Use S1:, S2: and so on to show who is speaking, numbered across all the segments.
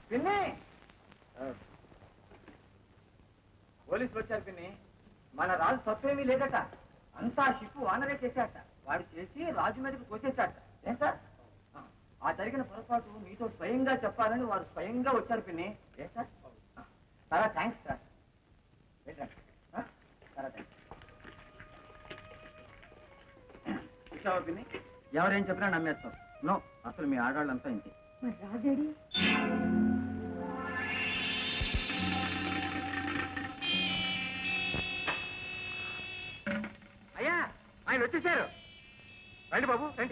S1: పిన్ని పోలీసులు వచ్చారు పిన్ని. మన రాజు తప్పేమీ లేదట, అంతా షిప్పు వానరే చేశాట. వాడు చేసి రాజు మీదకి తోసేశాట. ఏం సార్? ఆ జరిగిన పొరపాటు మీతో స్వయంగా చెప్పాలని వారు స్వయంగా వచ్చారు పిన్ని. ఏ సార్? చాలా థ్యాంక్స్ సార్. చాలా థ్యాంక్స్. చూసావా పిన్ని, ఎవరేం చెప్పినా నమ్మేస్తాం. నో, అసలు మీ ఆడవాళ్ళంతా ఇంతే.
S2: రాజేడి
S1: అయ్యా, ఆయన వచ్చేసారు. రండి బాబు రండి.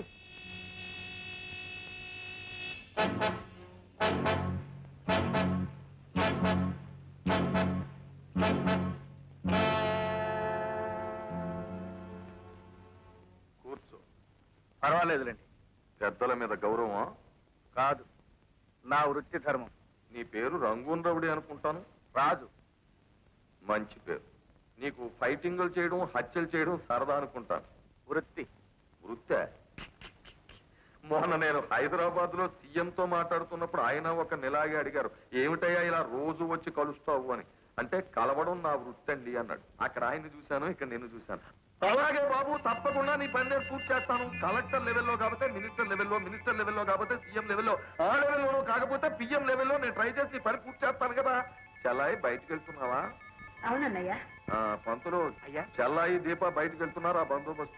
S3: కూర్చో. పర్వాలేదులేండి. పెద్దల మీద గౌరవం కాదు, నా వృత్తి ధర్మం. నీ పేరు రంగూన్ రవుడి అనుకుంటాను. రాజు మంచి పేరు. నీకు ఫైటింగులు చేయడం, హత్యలు చేయడం సరదా అనుకుంటాను. వృత్తి వృత్తే. మొన్న నేను హైదరాబాద్ లో సీఎంతో మాట్లాడుతున్నప్పుడు ఆయన ఒక నెలాగే అడిగారు, ఏమిటయ్యా ఇలా రోజు వచ్చి కలుస్తావు అని. అంటే కలవడం నా వృత్తి అండి అన్నాడు. అక్కడ ఆయన్ని చూశాను, ఇక్కడ నేను చూశాను. అలాగే బాబు, తప్పకుండా నీ పని నేను పూర్తి చేస్తాను. కలెక్టర్ లెవెల్లో కాకపోతే మినిస్టర్ లెవెల్లో, మినిస్టర్ లెవెల్లో కాకపోతే సీఎం లెవెల్లో, ఆ లెవెల్లోనూ కాకపోతే పిఎం లెవెల్లో నేను ట్రై చేసి పని పూర్తి చేస్తాను కదా. చెల్లాయి బయటికి వెళ్తున్నావా?
S2: అవునన్నయ్యా.
S3: పంతులు, చెల్లాయి దీప బయటికి వెళ్తున్నారు. ఆ బందోబస్తు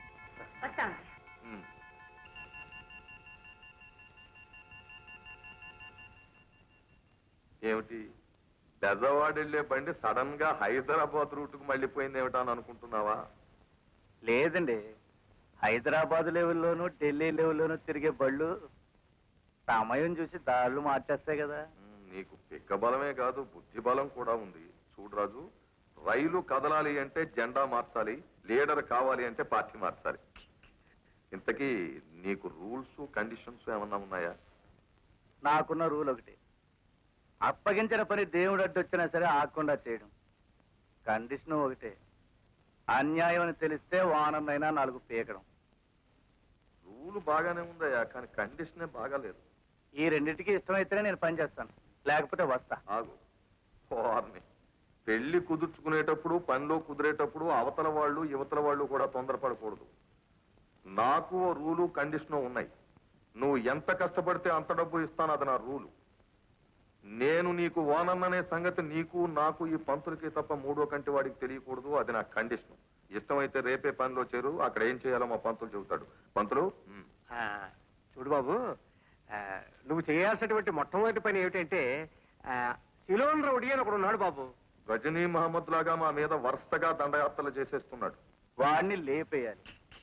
S3: ఏమిటి? బెజవాడ వెళ్లే బండి సడన్ గా హైదరాబాద్ రూట్ కు మళ్ళీపోయింది ఏమిటా అని అనుకుంటున్నావా?
S4: లేదండి, హైదరాబాద్ లెవెల్లోనూ ఢిల్లీ లెవెల్లోనూ తిరిగే బళ్ళు సమయం చూసి దారులు మార్చేస్తాయి కదా.
S3: నీకు పిక్క బలమే కాదు, బుద్ధి బలం కూడా ఉంది. చూడు రాజు, రైలు కదలాలి అంటే జెండా మార్చాలి, లీడర్ కావాలి అంటే పార్టీ మార్చాలి. ఇంతకీ నీకు రూల్స్ కండిషన్స్ ఏమన్నా ఉన్నాయా?
S4: నాకున్న రూల్ ఒకటి, అప్పగించిన పని దేవుడు అడ్డొచ్చినా సరే ఆగకుండా చేయడం. కండిషన్ ఒకటే, అన్యాయం అని తెలిస్తే వానమైనా 4 పీకడం.
S3: రూల్ బాగానే ఉందయ్యా, కానీ కండిషనే బాగాలేదు.
S4: ఈ రెండింటికి ఇష్టమైతేనే నేను పని చేస్తాను, లేకపోతే వస్తా.
S3: ఆగు. వారిని పెళ్లి కుదుర్చుకునేటప్పుడు, పనిలో కుదిరేటప్పుడు అవతల వాళ్ళు యువతల వాళ్ళు కూడా తొందరపడకూడదు. నాకు రూలు కండిషను ఉన్నాయి. నువ్వు ఎంత కష్టపడితే అంత డబ్బు ఇస్తాను, అది నా రూలు. నేను నీకు ఓనన్ననే సంగతి నీకు నాకు ఈ పంతులకి తప్ప మూడో కంటి వాడికి తెలియకూడదు, అది నా కండిషన్. ఇష్టమైతే రేపే పనిలో చేరు, అక్కడ ఏం చేయాలో మా పంతులు చెబుతాడు. పంతులు,
S1: చూడు బాబు, నువ్వు చేయాల్సినటువంటి మొట్టమొదటి పని ఏమిటంటే, సిలోన్ రౌడీ అని ఒకడు ఉన్నాడు బాబు.
S3: గజనీ మహమ్మద్ లాగా మా మీద వరుసగా దండయాత్రలు చేసేస్తున్నాడు.
S4: వాడిని లేపేయాలి.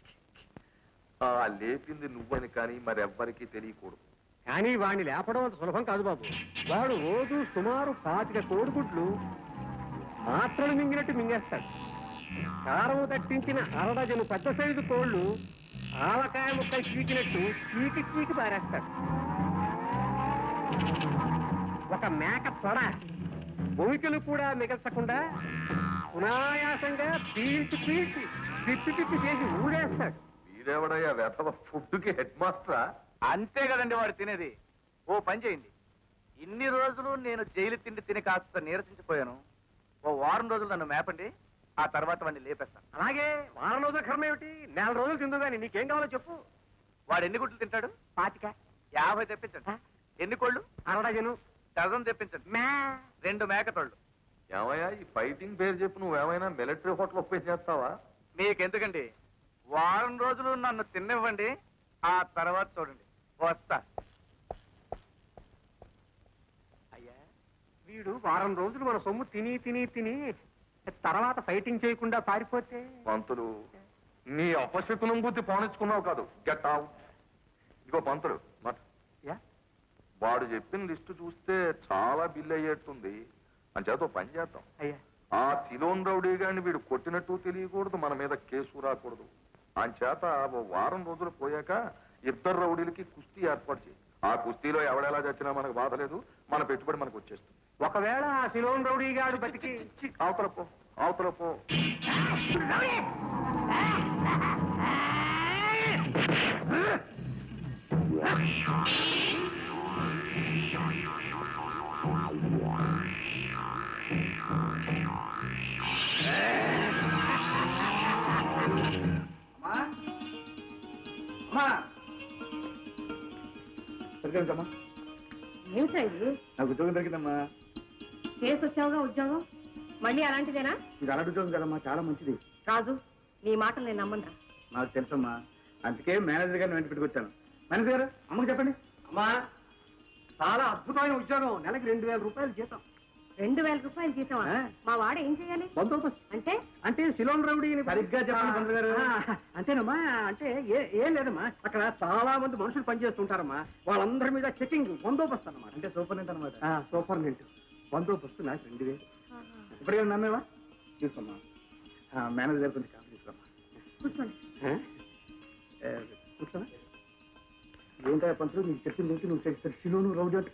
S3: లేపింది నువ్వని కానీ మరెవ్వరికీ తెలియకూడదు.
S1: కానీ వాడిని లేపడం అంత సులభం కాదు బాబు. వాడు రోజు సుమారు 25 కోడిగుడ్లు మాత్రలు మింగినట్టు మింగేస్తాడు. కారం తట్టించిన 1 డజను పెద్ద సైజు కోళ్లు ఆవకాయ ముక్కలు చీకినట్టు చీకి పారేస్తాడు. ఒక మేక తొడ భూమికలు కూడా మిగల్చకుండా సునాయాసంగా పీల్చి తిప్పి చేసి ఊడేస్తాడు.
S3: వీడెవడయ్యా వెధవ ఫుడ్కి హెడ్ మాస్టరా?
S4: అంతే కదండి వాడు తినేది. ఓ పని చేయండి, ఇన్ని రోజులు నేను జైలు తిండి తిని కాస్త నీరసించిపోయాను. ఓ వారం రోజులు నన్ను మేపండి, ఆ తర్వాత వాడిని లేపేస్తాను.
S1: అలాగే వారం రోజుల కర్మ ఏమిటి, 4 రోజులు తిందు కానీ నీకేం కావాలో చెప్పు.
S4: వాడు ఎన్ని గుడ్లు తింటాడు?
S1: 25.
S4: 50 తెప్పించండి. ఎన్ని కోళ్ళు?
S1: 1 డజను.
S4: డజన్ తెప్పించండి. 2 మేకతోళ్ళు.
S3: ఏమయ్యా, ఈ ఫైటింగ్ పేరు చెప్పి నువ్వేమైనా మిలిటరీ హోటల్ ఓపెన్ చేస్తావా?
S4: మీకెందుకండి, వారం రోజులు నన్ను తిన్నివ్వండి, ఆ తర్వాత చూడండి. వస్తా.
S1: అయ్యా, వీడు వారం రోజులు మన సొమ్ము తిని తర్వాత ఫైటింగ్ చేయకుండా పారిపోతే?
S3: పంతులు, నీ అపశకునం బుద్ధి పోనిచ్చుకున్నావు కాదు. Get out. ఇదిగో పంతులు, వాడు చెప్పిన లిస్టు చూస్తే చాలా బిల్ అయ్యేట్టుంది. అంచేత పని చేద్దాం.
S1: అయ్యా,
S3: ఆ సిలోన్ రౌడీ గారిని వీడు కొట్టినట్టు తెలియకూడదు, మన మీద కేసు రాకూడదు. అంచేత ఓ వారం రోజులు పోయాక 2 రౌడీలకి కుస్తీ ఏర్పాటు చేయి. ఆ కుస్తీలో ఎవడెలా చచ్చినా మనకు బాధ లేదు, మన పెట్టుబడి మనకు వచ్చేస్తుంది.
S1: ఒకవేళ ఆ సిలోన్ రౌడీ గాడు బతికి
S3: అవతల పో.
S4: నమస్కరించమ్మా.
S2: ఏమిటా ఇది?
S4: నాకు ఉద్యోగం దొరికిందమ్మా.
S2: చేసి వచ్చావుగా ఉద్యోగం, మళ్ళీ అలాంటిదేనా?
S4: ఇది అలాంటి ఉద్యోగం కదమ్మా, చాలా మంచిది.
S2: రాజు, నీ మాటలు నేను నమ్మనురా.
S4: నాకు తెలుసమ్మా, అందుకే మేనేజర్ గారిని వెంట పెట్టుకొచ్చాను. మేనేజర్ గారు, అమ్మకి చెప్పండి.
S1: అమ్మా, చాలా అద్భుతమైన ఉద్యోగం, నెలకి 2000 రూపాయలు జీతం.
S2: 2000 రూపాయలు జీతం?
S1: ఆ.
S2: మా వాడ ఏం చేయాలి?
S1: బందోబస్తు
S2: అంటే
S1: అంటే సిలోన్ రౌడీ
S4: సరిగ్గా చెప్పండి పంతులు గారు.
S1: అంతేనమ్మా, అంటే ఏం లేదమ్మా, అక్కడ చాలా మంది మనుషులు పనిచేస్తుంటారమ్మా, వాళ్ళందరి మీద చెకింగ్ బందోబస్తు అన్నమాట.
S4: అంటే సూపరింటెండెంట్ అనమాట.
S1: సూపరింటెండెంట్ బందోబస్తు నాకు 2000.
S4: ఇప్పుడే నమ్మేవా? తీసుకోమ్మా. మేనేజర్ గారు కొంచెం కాఫీ తీసుకోమ్మా.
S2: కూర్చోండి.
S1: కూర్చోనా? ఏంటో పంతులు నీకు చెప్పింది నువ్వు సిలోను రౌడీ అంటే